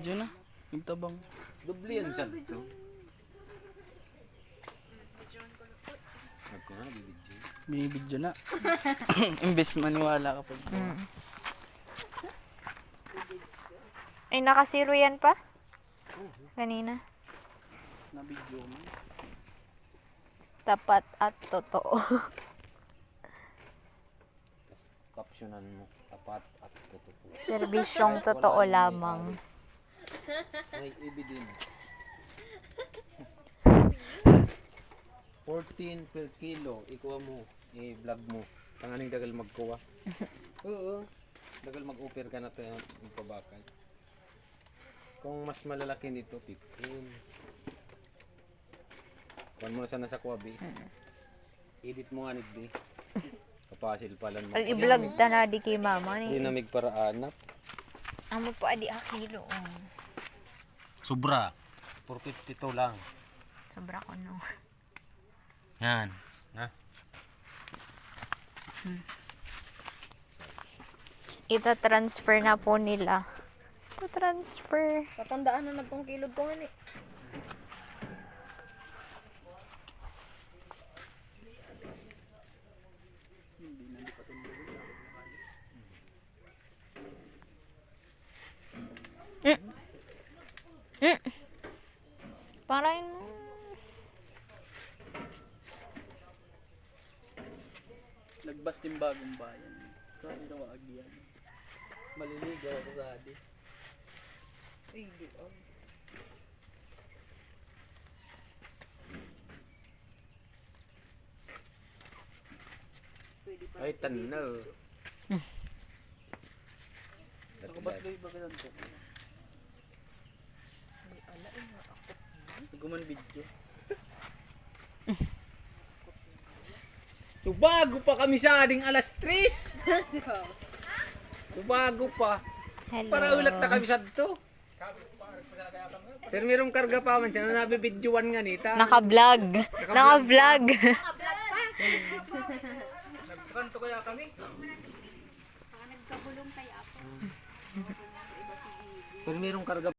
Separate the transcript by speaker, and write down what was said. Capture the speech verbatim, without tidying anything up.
Speaker 1: Nabidyo na. Nagtabang.
Speaker 2: Dubli yan siya to. Nagko na, bibidyo.
Speaker 1: Binibidyo na. Imbes maniwala ka pa.
Speaker 3: Mm. Ay, nakasiro yan pa? Kanina.
Speaker 1: Nabidyo mo.
Speaker 3: Tapat at totoo.
Speaker 2: Captionan mo, tapat at totoo.
Speaker 3: Serbisyong totoo lamang.
Speaker 2: May evidence. fourteen per kilo, ikuha mo, i-vlog mo. Panganing dagal magkuha. Oo. Dagal mag-offer ka na ito yung pabakal. Kung mas malalaki nito, fifteen. Kuhan mo na sana sa kuwabi. Edit mo nga nigdi. Kapasil pala mo.
Speaker 3: Al i-vlog ta na di kay mama
Speaker 2: Hindi
Speaker 3: ni.
Speaker 2: namig para anak.
Speaker 3: Amo po adi a kilo. Oh.
Speaker 2: Sobra. four fifty-two lang.
Speaker 3: Sobra ko no.
Speaker 2: Yan. Ha?
Speaker 3: Ito transfer na po nila. Ito transfer.
Speaker 4: Katandaan na nagkong kilog ko nga ni.
Speaker 3: Mm. Mm. Parain mo.
Speaker 1: Nagbas din bagong bayan. Sorry na wag yan. Maliligaw ako sa adi.
Speaker 4: Ay, di oh.
Speaker 2: Ay, tanaw.
Speaker 1: Ako ba't doy ba ganun ko? Guman video.
Speaker 2: Tubago pa kami sa ading alas tres. Tubago pa.
Speaker 3: Hello.
Speaker 2: Para ulat na kami sa to. Pero merong karga pa man siya na nabibidyoan nga nita.
Speaker 3: Naka-vlog. Naka-vlog.
Speaker 1: Nagkanto kaya kami?
Speaker 2: Pero merong karga